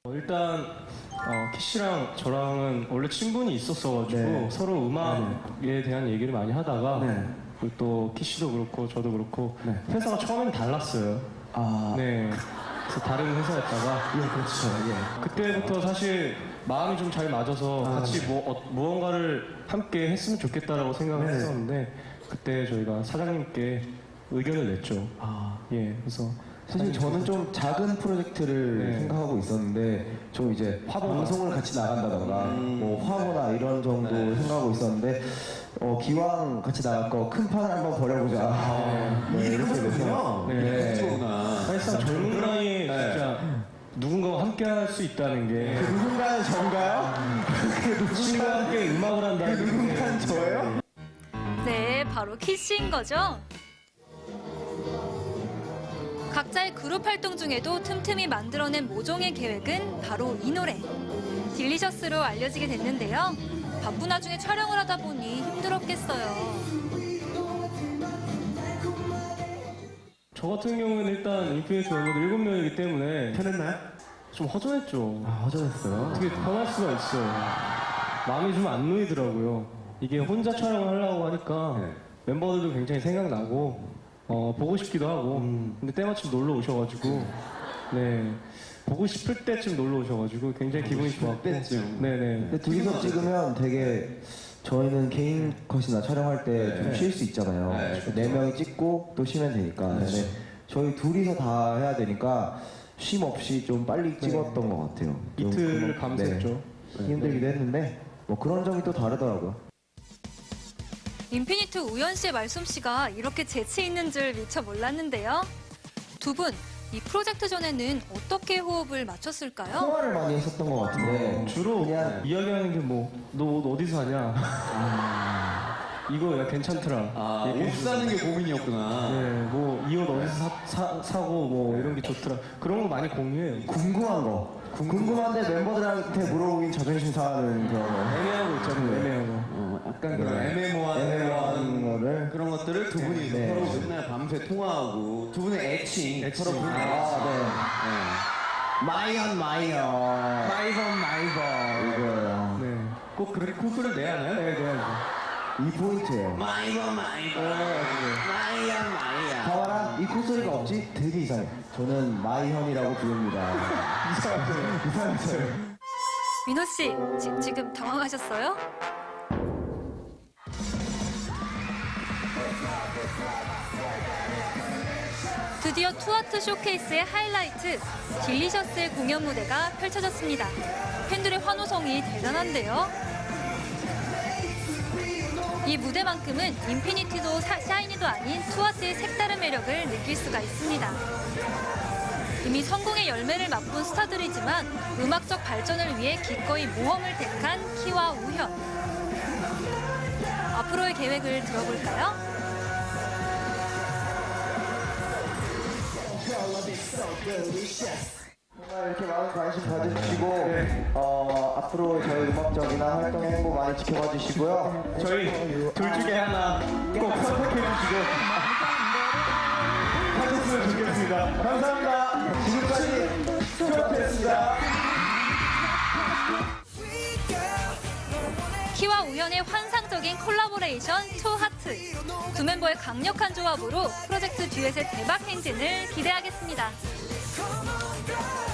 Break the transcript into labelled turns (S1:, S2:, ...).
S1: 일단 키씨랑 저랑은 원래 친분이 있었어가지고 서로 음악에 대한 얘기를 많이 하다가 그리고 또 키씨도 그렇고 저도 그렇고 회사가 처음엔 달랐어요. 그래서 다른 회사였다가
S2: 그렇죠.
S1: 그때부터 사실 마음이 좀 잘 맞아서 같이 무언가를 함께 했으면 좋겠다라고 생각을 했었는데 그때 저희가 사장님께 의견을 냈죠. 그래서
S2: 사실 저는 좀 작은 프로젝트를 생각하고 있었는데 좀 이제 방송을 같이 나간다던가 뭐 화보나 이런 정도 생각하고 있었는데 기왕 같이 나갈 거 큰 판을 한번 벌여보자. 이렇게 돼서
S1: 사실상 젊은 나이에 진짜 누군가와 함께 할 수 있다는 게
S2: 누군가는 전가요?
S1: 친구와 함께 음악을 한다는 게
S2: 누군가는 저예요?
S3: 네, 바로 키씨인 거죠. 각자의 그룹 활동 중에도 틈틈이 만들어낸 모종의 계획은 바로 이 노래. 딜리셔스로 알려지게 됐는데요. 바쁜 와중에 촬영을 하다 보니 힘들었겠어요.
S1: 저 같은 경우는 일단 인피니트 멤버들 7명이기 때문에
S2: 편했나요?
S1: 좀 허전했죠.
S2: 허전했어요.
S1: 어떻게 편할 수가 있어요. 마음이 좀 안 놓이더라고요. 이게 혼자 촬영을 하려고 하니까 멤버들도 굉장히 생각나고 보고 싶기도 하고 근데 때마침 놀러 오셔가지고 보고 싶을 때쯤 놀러 오셔가지고 굉장히 기분이 좋았고
S2: 근데 둘이서 찍으면 되게 저희는 개인 컷이나 촬영할 때 좀 쉴 수 있잖아요. 네 명이 찍고 또 쉬면 되니까. 근데 저희 둘이서 다 해야 되니까 쉼 없이 좀 빨리 찍었던 것 같아요.
S1: 이틀 밤샜죠.
S2: 힘들기도 했는데 뭐 그런 점이 또 다르더라고요.
S3: 인피니트 우연 씨의 말솜씨가 이렇게 재치 있는 줄 미처 몰랐는데요. 두 분, 이 프로젝트 전에는 어떻게 호흡을 맞췄을까요?
S2: 통화를 많이 했었던 것 같은데
S1: 주로
S2: 그냥
S1: 이야기하는 게 너 옷 어디서 사냐? 이거 야 괜찮더라.
S4: 옷 사는 게 고민이었구나.
S1: 이 옷 어디서 사고 뭐 이런 게 좋더라. 그런 거 많이 공유해요.
S2: 궁금한 거. 궁금한데 멤버들한테 물어보긴 자존심 상하는 그런 거.
S1: 애매하고 있잖아요. 애매하고.
S4: 약간 그런 애매모호한
S2: 애매한 거를.
S4: 그런 것들을 두 분이 서로 맨날 밤새 통화하고 두 분의 애칭 서로 부르는
S2: 마이언.
S4: 마이번
S2: 이거예요.
S4: 꼭 그렇게 코스를 내야 하나요?
S1: 네.
S2: 이 포인트예요.
S4: 마이번
S2: 봐봐라, 이 콧소리가 없지? 되게 이상해. 저는 마이현이라고 부릅니다. 이상하죠?
S3: 민호 씨, 지금 당황하셨어요? 드디어 투아트 쇼케이스의 하이라이트, 딜리셔스의 공연 무대가 펼쳐졌습니다. 팬들의 환호성이 대단한데요. 이 무대만큼은 인피니티도 샤이니도 아닌 투아트의 색다른 매력을 느낄 수가 있습니다. 이미 성공의 열매를 맛본 스타들이지만 음악적 발전을 위해 기꺼이 모험을 택한 키와 우현. 앞으로의 계획을 들어볼까요?
S2: 정말 이렇게 많은 관심 가져주시고 앞으로 저희 음악적이나 활동 행보 많이 지켜봐 주시고요.
S1: 저희 둘 중에 하나 꼭 선택해 주시고 하셨으면 좋겠습니다.
S2: 감사합니다. 지금까지 투어였습니다.
S3: 키와 우현의 환상적인 콜라보레이션 투하트. 두 멤버의 강력한 조합으로 프로젝트 듀엣의 대박 행진을 기대하겠습니다.
S5: Come on, girl.